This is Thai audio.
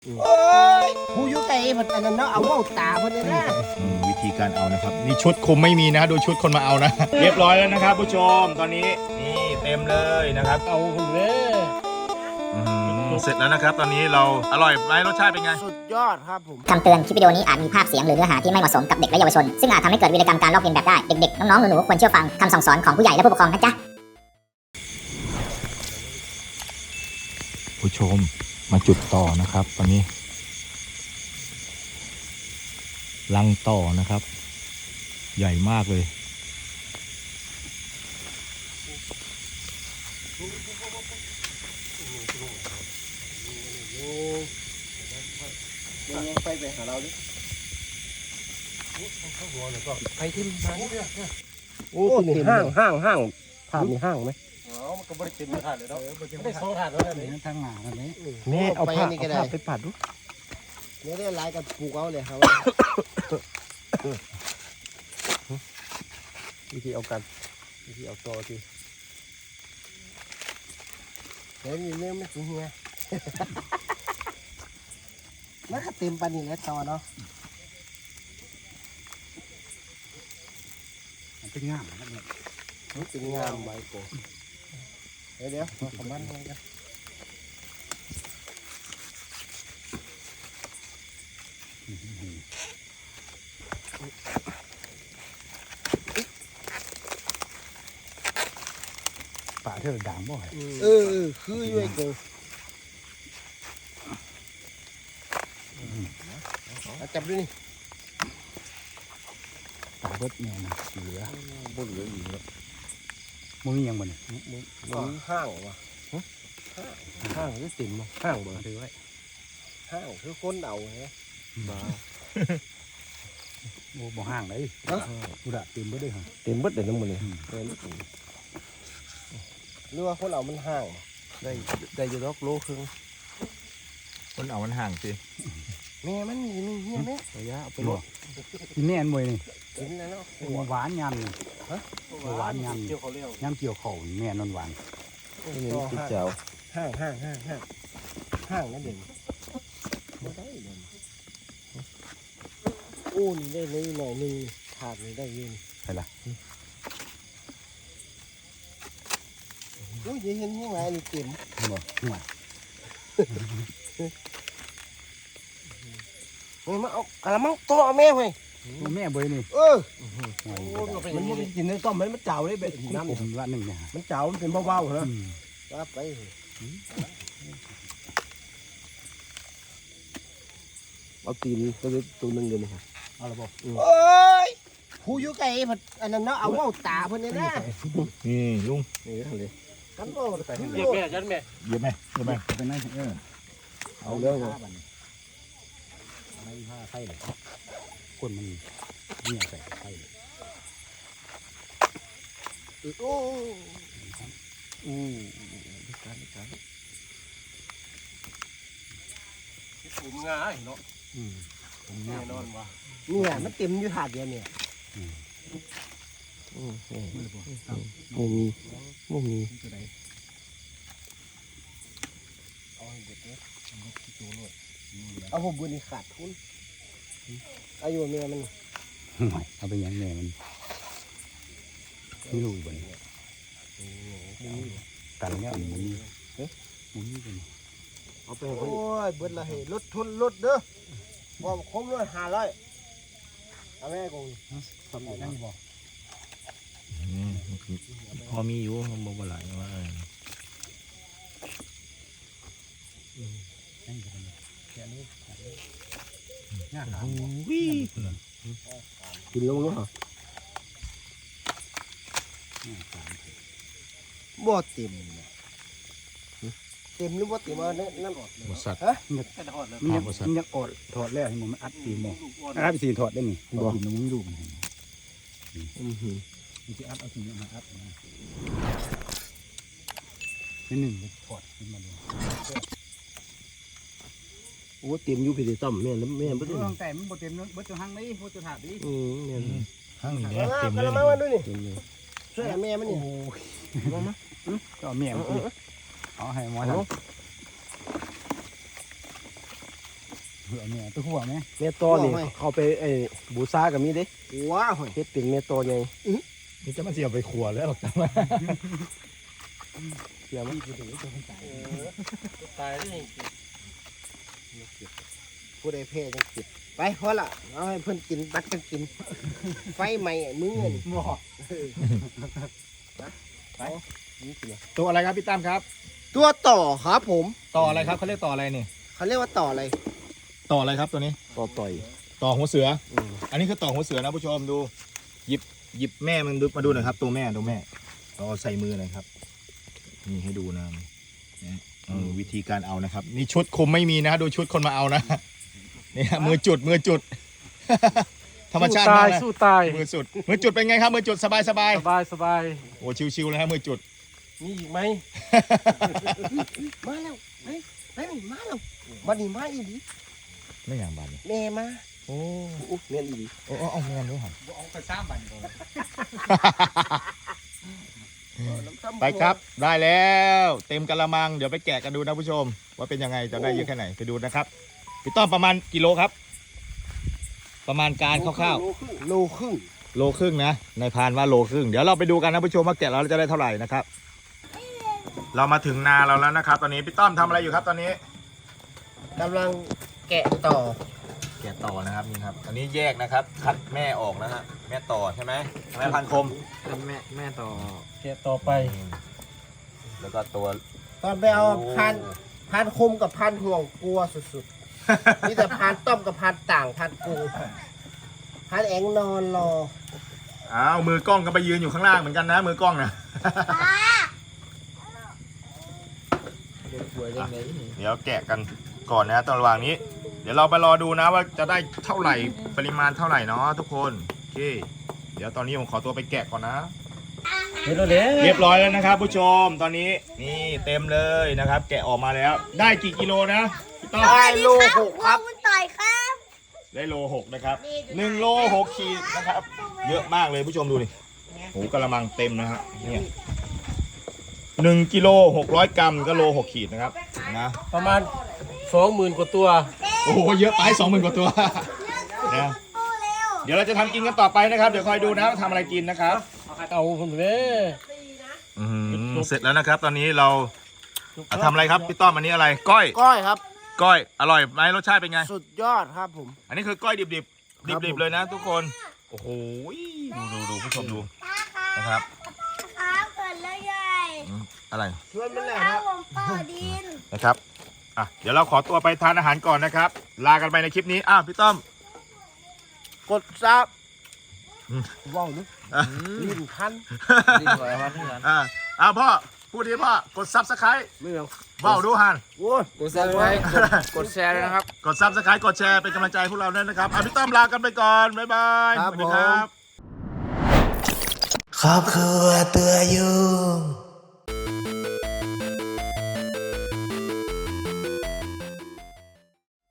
โอ้ยผู้อยู่ไกลเพิ่นอันนั้นเนาะเอาเว้าตาเพิ่นเลยนะวิธีการเอานะครับนี่ชุดคุมไม่มีนะดูชุดคนมาเอานะ เรียบร้อยแล้วนะครับผู้ชมตอนนี้นี่เต็มเลยนะครับเอาคนเลยเสร็จแล้วนะครับตอนนี้เราอร่อยไหมรสชาติเป็นไงสุดยอดครับผมคำเตือนคลิปวิดีโอนี้อาจมีภาพเสียงหรือเนื้อหาที่ไม่เหมาะสมกับเด็กและเยาวชนซึ่งอาจทำให้เกิดวีรกรรมการลอกเลียนแบบได้เด็กๆน้องๆหนูๆควรเชื่อฟังคำสั่งสอนของผู้ใหญ่และผู้ปกครองนะจ๊ะผู้ชมมาจุดต่อนะครับตอนนี้ลังต่อนะครับ ใหญ่มากเลยไปหาเราดิไปที่มาโอ้ตัวนี้ห้างถาดมีห้างไหมมันก็บริเวณถาดเลยเนาะไม่ได้สองถาดแล้วเนี่ยทางหนาแล้วเนี่ยแม่เอาผ้าไปปัดดูเนี่ยได้ลายกับปลูกเอาเลยครับวิธีเอากันวิธีเอาต่อทีเดี๋ยวมีเรื่องไม่ถึงเฮียแล้วก็เต็มปันนี่แหละต่อเนาะเป็นงามนะเนี่ยเป็นงามใบโกเดี๋ยวมาขมันอะไรกันป่าเธอด่างบ่อยคืออยู่ไอ้โกจับดูนี่ป่าเบิดแม่นะเหลือบ่เหลืออยู่แล้วมึงยังบ่เนี่ยมึงห้างวะห้างหรือสินห้างบ่ถือไว้ห้างคือคนเอาไงบ้าบ่ห่างเลยกูด่าเต็มเบิดเลยฮะเต็มเบิดเลยน้ำมันเลยหรือว่าคนเอามันห้างได้อยู่ดอกโลครึ่งคนเอามันห่างสิแม่มันมีเฮียไหมระยะเอาไปหมดกินแน่นมวยนี่กินแล้วเนาะหวานยำนี่หวานยำยำเกี่ยวเข่าแม่นอนหวานติดเจ้าห้างนั่นเองไม่ได้เลยโอ้นี่ได้เลยหน่อยนึงขาดนี่ได้ยินใครล่ะโอ้ยเห็นยังไงนี่เต็มบ่หัวเฮ้ยมาเอาอะไรมั่งโตเอาแม่เว้ยแม่เบยนี่มันไม่กินในต้มมันเจ้าเลยแบบน้ำผมละหนึ่งเนี่ยมันเจ้ามันเป็นเบาๆเหรอว่าไปเอาตีนตัวนึงเลยนะครับเอาละบ่โอ้ยผู้อยู่ไกลเพิ่นอันนั้นเนาะเอาเว้าตาเพิ่นเนี่ยนะนี่ลุงนี่ทำเลยกันบ่ไปเยอะแม่จันแม่เยอะแม่เป็นไงเอาเรื่องอะไรผ้าไข่เลยคนมันเนี่ยใส่ไข่เลยโอ้การผมง่ายเนาะผมแน่นอนว่ะเนี่ยมันเต็มอยู่ถาดเดียวเนี่ยไม่มีเอาผมบุญนี่ขาดทุนอายุเมียมันเอาไปยังแม่มันไม่รู้บ่เนี่ยกันเนี่ยมันมีกันเอาไปโอ้ยเบิดละเหรถทุนรถเด้อบอกครบเลย500เอาแม่กูทำได้บ่พอมีอยู่บ่บ่หลายว่ากินลงเนาะบ่เต็มหรือบ่เต็มเอานั่นอดบ่สัตว์มันยังอดถอดแล้วให้มันอัดตีหมออัดไปสีถอดได้นี่บ่กินมันลูกมันที่อัดเอาทีมาอัดนี่หนึ่งถอดขึ้นมาเลยโอ้เต็มอยู่พี่ต้อมแม่บ่ได้แต่มันบ่เต็มบ่จะหั่งได้บ่จะถาดดิหั่งนี่เต็มเลยมาดูนี่ช่วยแม่มันนี่มาก็แม่มันเอาให้หมอทำแม่ตัวหัวไหมเมตโตนี่เขาไปบูชากับมีเด้ว้าวเฮ็ดเป็นเมตโตใหญ่นี่จะมาเสียบไปขัวแล้วหรอกจ้าเสียมั้ยตายได้ผู้ใดแพ้จังกินไปพอละเอาให้เพิ่นกินบัดกันกินไฟใหม่มือนี่บ่ตัวอะไรครับพี่ตั้มครับตัวต่อครับผมต่ออะไรครับเขาเรียกต่ออะไรนี่เขาเรียกว่าต่ออะไรต่ออะไรครับตัวนี้ต่อต่อยต่อหัวเสืออันนี้คือต่อหัวเสือนะผู้ชมดูหยิบแม่มันดูมาดูหน่อยครับตัวแม่เราเอาใส่มือหน่อยครับนี่ให้ดูนะวิธีการเอานะครับนี่ชุดคุมไม่มีนะดูชุดคนมาเอานะนี่ฮะมือจุด ธรรมชาติมากนะสู้ตายมือจุดเป็นไงครับมือจุดสบายสบายโอ้ชิวๆเลยฮะมือจุดมีอีกไหมมาแล้วไปมาแล้วบัดนี้มาอีหลีไม่อย่างบานนี่แม่มาโอ้แม่นอีหลีเอาแมนด้วยหันเอาไป3บันก่อนไปครับได้แล้วเต็มกะละมังเดี๋ยวไปแกะกันดูนะผู้ชม ว่าเป็นยังไงจะได้เยอะแค่ไหนไปดูนะครับพี่ต้อมประมาณกิโลครับ ประมาณการคร่าวโลครึ่งๆโลครึ่งนะในพานว่าโลครึ่งเดี๋ยวเราไปดูกันนะผู้ชมว่าแกะเราจะได้เท่าไหร่นะครับ เรามาถึงนาเราแล้วนะครับ ตอนนี้พี่ต้อมทำอะไรอยู่ครับตอนนี้กำลังแกะต่อแกะต่อนะครับนี่ครับอันนี้แยกนะครับคัดแม่ออกนะฮะแม่ต่อใช่ไหมแม่พันคมแม่ต่อแกะต่อไปแล้วก็ตัวตอนไปเอาพันคมกับพันห่วงกลัวสุดๆนี่แต่พันต้มกับพันต่างพันกูพันแองนอนรออ้าวมือกล้องก็ไปยืนอยู่ข้างล่างเหมือนกันนะมือกล้องนะ เดี๋ยวแกะกันก่อนนะตอนระหว่างนี้ เดี๋ยวเราไปรอดูนะว่าจะได้เท่าไหร่ปริมาณเท่าไหร่เนาะทุกคนโอเคเดี๋ยวตอนนี้ผมขอตัวไปแกะก่อนนะเรียบร้อยแล้วนะครับผู้ชมตอนนี้นี่เต็มเลยนะครับ แกะออกมาแล้วได้กี่กิโลนะพี่ต้อมได้โลหกครับคุณต่อยครับได้โล6นะครับ1โล6ขีดนะครับ เยอะมากเลยผู้ชมดูดิโหกระมังเต็มนะฮะเนี่ย1กิโล600 กรัมก็โล6ขีดนะครับนะประมาณ 20,000 กว่าตัวโอ้โหเยอะไป 20,000 กว่าตัวนะโอ้เร็วเดี๋ยวเราจะทำกินกันต่อไปนะครับเดี๋ยวคอยดูนะว่าทำอะไรกินนะครับเอาคนเว้เสร็จแล้วนะครับ ตอนนี้เราทำอะไรครับพี่ต้อมอันนี้อะไรก้อยก้อยครับก้อยอร่อยไหมรสชาติเป็นไงสุดยอดครับผมอันนี้คือก้อยดิบครับผมๆเลยนะทุกคนโอ้โหดูผู้ชมดูนะครับครับเกิดแล้วใหญ่อะไรชวนมันแหละข้าฮะวผมต่อดินนะครับอ่ะเดี๋ยวเราขอตัวไปทานอาหารก่อนนะครับ ลากันไปในคลิปนี้พี่ต้อมกดซับอืมว้าวนึกลิ้นคันพ่อพูดดีพ่อกดซับสไครต์ไม่เอาว้าวดูฮันโอ้ยกดซับสไครต์กดแชร์ด้วยนะครับกดซับสไครต์กดแชร์เป็นกำลังใจให้พวกเราด้วยนะครับพี่ต้อมลากันไปก่อนบ๊ายบายครับสวัสดีครับผมครอบครัวตัวยุ่ง